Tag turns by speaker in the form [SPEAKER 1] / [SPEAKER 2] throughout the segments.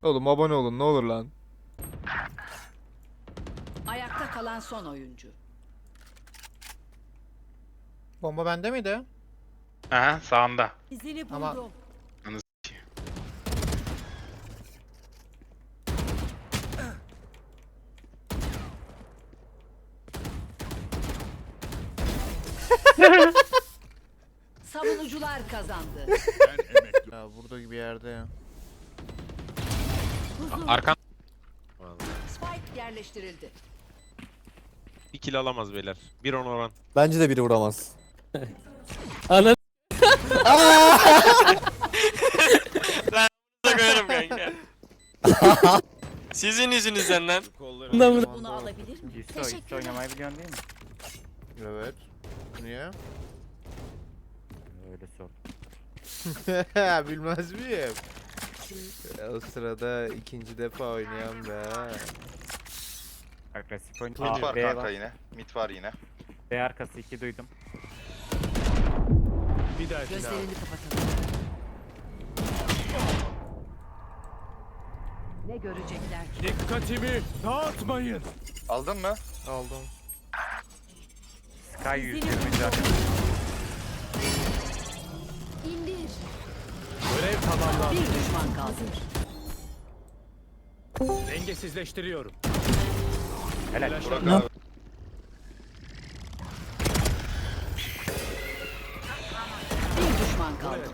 [SPEAKER 1] Oğlum abone olun ne olur lan.
[SPEAKER 2] Ayakta kalan son oyuncu.
[SPEAKER 1] Bomba bende miydi?
[SPEAKER 3] Aha sağında.
[SPEAKER 2] İzini
[SPEAKER 1] Ama-
[SPEAKER 2] buldum. Savunucular kazandı.
[SPEAKER 1] Ya burada gibi yerde ya.
[SPEAKER 4] Arkan
[SPEAKER 2] Spike yerleştirildi.
[SPEAKER 4] bir kill alamaz beyler. 1-10 oran.
[SPEAKER 5] Bence de biri vuramaz. Ana
[SPEAKER 6] koyarım kanka. Sizin yüzünüzden lan.
[SPEAKER 2] Bunu alabilir miyim?
[SPEAKER 7] İsto oynamayı biliyorsun değil mi?
[SPEAKER 1] Evet. Niye?
[SPEAKER 7] Öyle sor.
[SPEAKER 1] Bilmez miyim? O sırada ikinci defa oynayan be.
[SPEAKER 7] Agresif oyun.
[SPEAKER 8] Mid var
[SPEAKER 7] B
[SPEAKER 8] kanka
[SPEAKER 7] var.
[SPEAKER 8] yine. Mid var yine.
[SPEAKER 7] B arkası 2 duydum.
[SPEAKER 2] Gözlerini kapatalım. Ne görecekler ki?
[SPEAKER 9] Dikkatimi dağıtmayın.
[SPEAKER 8] Aldın mı?
[SPEAKER 1] Aldım.
[SPEAKER 7] Sky 120 can.
[SPEAKER 2] İndir.
[SPEAKER 9] Görev tamamlandı.
[SPEAKER 2] Bir düşman kaldı.
[SPEAKER 9] Dengesizleştiriyorum.
[SPEAKER 7] Helal.
[SPEAKER 8] Burak abi.
[SPEAKER 2] Bir düşman kaldı.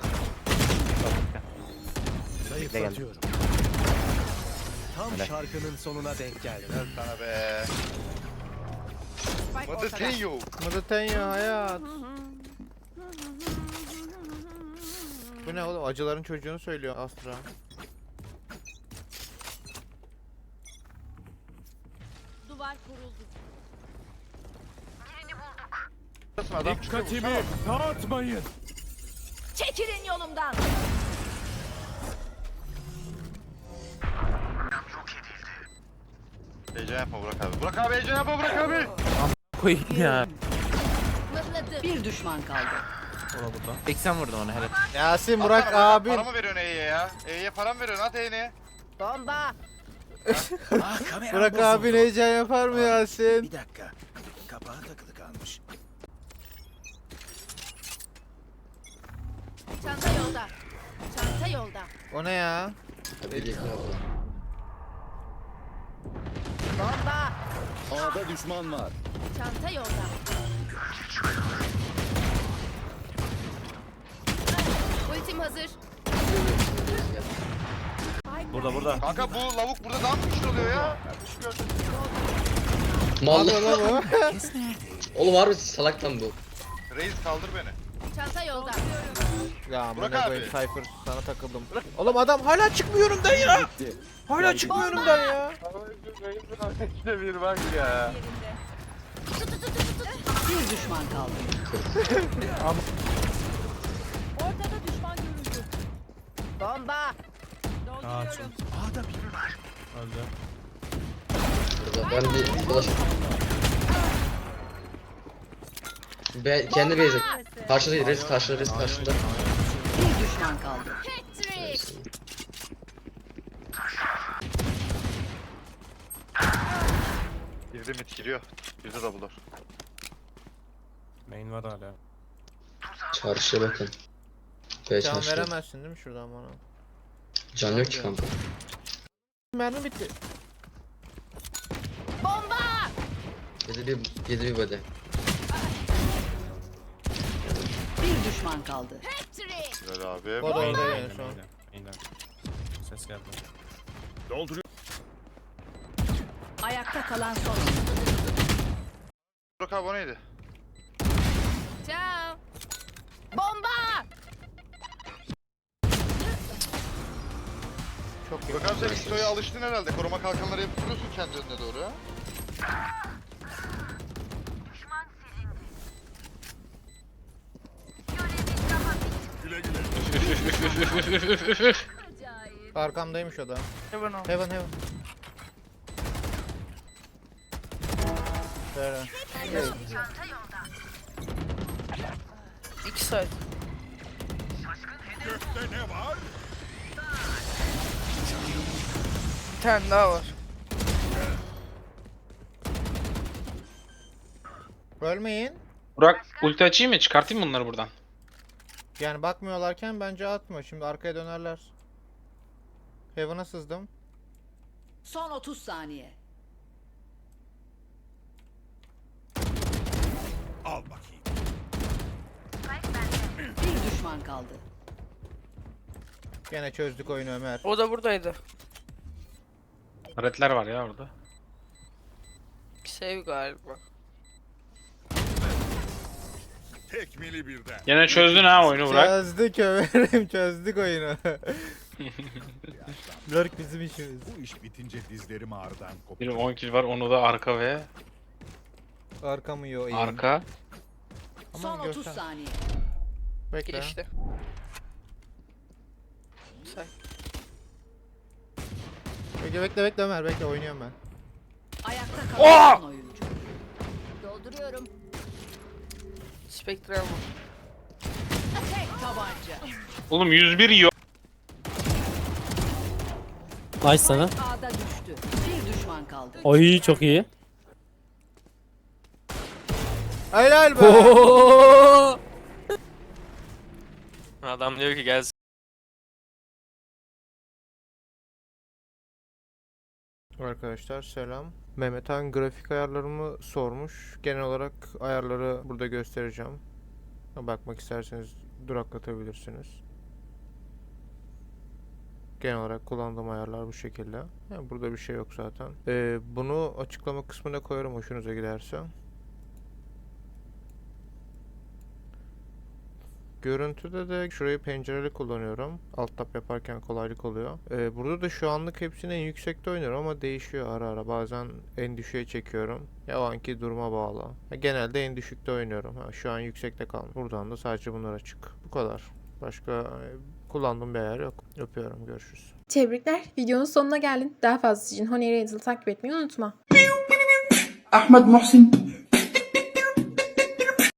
[SPEAKER 9] Zayıflatıyorum. Tam şarkının sonuna denk geldi.
[SPEAKER 8] Helal sana be.
[SPEAKER 2] Spike
[SPEAKER 8] Mother
[SPEAKER 2] ortada.
[SPEAKER 8] Tenyo.
[SPEAKER 1] Mıdıtenya hayat. Bu ne oğlum? Acıların çocuğunu söylüyor Astra.
[SPEAKER 2] Duvar kuruldu.
[SPEAKER 8] Adam çıkıyor.
[SPEAKER 9] Dikkatimi dağıtmayın.
[SPEAKER 2] Çekilin yolumdan.
[SPEAKER 8] Heyecan yapma Burak abi. Burak abi heyecan yapma Burak abi.
[SPEAKER 5] koyayım ya.
[SPEAKER 2] Bir düşman kaldı.
[SPEAKER 5] 80 vurdum ona helal.
[SPEAKER 1] Yasin Burak
[SPEAKER 8] Atsana,
[SPEAKER 1] abin.
[SPEAKER 8] Para mı veriyorsun E'ye ya? E'ye para mı veriyorsun? At E'ye.
[SPEAKER 2] Bomba.
[SPEAKER 1] Burak abin heyecan yapar mı Yasin?
[SPEAKER 9] Bir dakika. Kapağı takılı kalmış.
[SPEAKER 10] Çanta yolda. Çanta yolda.
[SPEAKER 1] O ne ya?
[SPEAKER 10] Bomba.
[SPEAKER 9] A'da düşman var.
[SPEAKER 10] Çanta yolda. Ultim hazır.
[SPEAKER 6] Burada.
[SPEAKER 8] Kanka bu lavuk burada daha mı güçlü oluyor ya?
[SPEAKER 1] Mal lan bu.
[SPEAKER 11] Oğlum harbi salaktan bu.
[SPEAKER 8] Reis kaldır beni.
[SPEAKER 10] Çanta yolda.
[SPEAKER 1] Ya
[SPEAKER 8] Burak
[SPEAKER 1] amına
[SPEAKER 8] abi.
[SPEAKER 1] koyayım Cypher sana takıldım. Oğlum adam hala çıkmıyor önümden ya. Hala çıkmıyor önümden ya.
[SPEAKER 8] İşte bir bak ya.
[SPEAKER 2] Bir düşman kaldı.
[SPEAKER 10] Ortada düşman görüldü. Bomba. Dolduruyorum.
[SPEAKER 11] Burada ben bir dolaşım. Kendi base'e. Karşıda res karşıda res karşıda.
[SPEAKER 2] Bir düşman kaldı.
[SPEAKER 10] Patrick.
[SPEAKER 8] Girdi mid giriyor. Girdi double door.
[SPEAKER 6] Main var hala.
[SPEAKER 11] Çarşıya bakın. B
[SPEAKER 1] Can
[SPEAKER 11] çarşıda.
[SPEAKER 1] veremezsin değil mi şuradan bana?
[SPEAKER 11] Can yok ki kanka.
[SPEAKER 1] Mermi bitti.
[SPEAKER 10] Bomba.
[SPEAKER 11] Yedi bir body.
[SPEAKER 2] Bir düşman kaldı.
[SPEAKER 10] Patrick.
[SPEAKER 8] Güzel abi.
[SPEAKER 1] O da orada yani şu an.
[SPEAKER 4] Main'den. Ses geldi.
[SPEAKER 2] Ayakta kalan son oyuncu.
[SPEAKER 8] Burak abi o neydi?
[SPEAKER 10] Ciao. Bomba.
[SPEAKER 1] Çok iyi.
[SPEAKER 8] Burak abi sen istoya alıştın herhalde. Koruma kalkanları yapıp duruyorsun kendi önüne doğru ya.
[SPEAKER 1] Arkamdaymış o da.
[SPEAKER 7] Heaven ol.
[SPEAKER 1] Heaven heaven. Şöyle.
[SPEAKER 10] İki saat.
[SPEAKER 9] Gökte ne var?
[SPEAKER 10] Bir tane daha var.
[SPEAKER 1] Ölmeyin.
[SPEAKER 3] Burak ulti açayım mı? Çıkartayım mı bunları buradan?
[SPEAKER 1] Yani bakmıyorlarken bence atma. Şimdi arkaya dönerler. Heaven'a sızdım.
[SPEAKER 2] Son 30 saniye.
[SPEAKER 9] Al bakayım.
[SPEAKER 2] Bir düşman kaldı.
[SPEAKER 1] Gene çözdük oyunu Ömer.
[SPEAKER 10] O da buradaydı.
[SPEAKER 3] Redler var ya orada.
[SPEAKER 10] Sev galiba.
[SPEAKER 9] Tekmili birden.
[SPEAKER 3] Yine çözdün ha oyunu Burak.
[SPEAKER 1] Çözdük Ömer'im, çözdük oyunu. Lurk bizim işimiz.
[SPEAKER 9] Bu iş bitince dizlerim ağrıdan koptu.
[SPEAKER 3] Benim 10 kill var, onu da arka ve
[SPEAKER 1] Arka mı yo?
[SPEAKER 3] arka.
[SPEAKER 2] Son 30
[SPEAKER 1] göster.
[SPEAKER 2] saniye.
[SPEAKER 1] Bekle.
[SPEAKER 10] Geçti. Say.
[SPEAKER 1] Bekle Ömer, bekle oynuyorum ben.
[SPEAKER 2] Ayakta kalan son oyuncu.
[SPEAKER 10] Dolduruyorum. Spektral mı?
[SPEAKER 2] Tek tabanca.
[SPEAKER 3] Oğlum 101 yiyor.
[SPEAKER 5] Nice sana.
[SPEAKER 2] A'da düştü. Bir düşman kaldı.
[SPEAKER 5] Oy çok iyi.
[SPEAKER 1] Helal be.
[SPEAKER 5] Oo!
[SPEAKER 6] Adam diyor ki gel.
[SPEAKER 1] Arkadaşlar selam. Mehmet Han grafik ayarlarımı sormuş. Genel olarak ayarları burada göstereceğim. Bakmak isterseniz duraklatabilirsiniz. Genel olarak kullandığım ayarlar bu şekilde. Yani burada bir şey yok zaten. Bunu açıklama kısmına koyarım hoşunuza giderse. Görüntüde de şurayı pencereli kullanıyorum. Alt tab yaparken kolaylık oluyor. Burada da şu anlık hepsini en yüksekte oynuyorum ama değişiyor ara ara. Bazen en düşüğe çekiyorum. Ya o anki duruma bağlı. Genelde en düşükte oynuyorum. Şu an yüksekte kalmış. Buradan da sadece bunlar açık. Bu kadar. Başka kullandığım bir ayar yok. Öpüyorum. Görüşürüz.
[SPEAKER 12] Tebrikler. Videonun sonuna geldin. Daha fazlası için Honey Raider'ı takip etmeyi unutma.
[SPEAKER 13] Ahmet Muhsin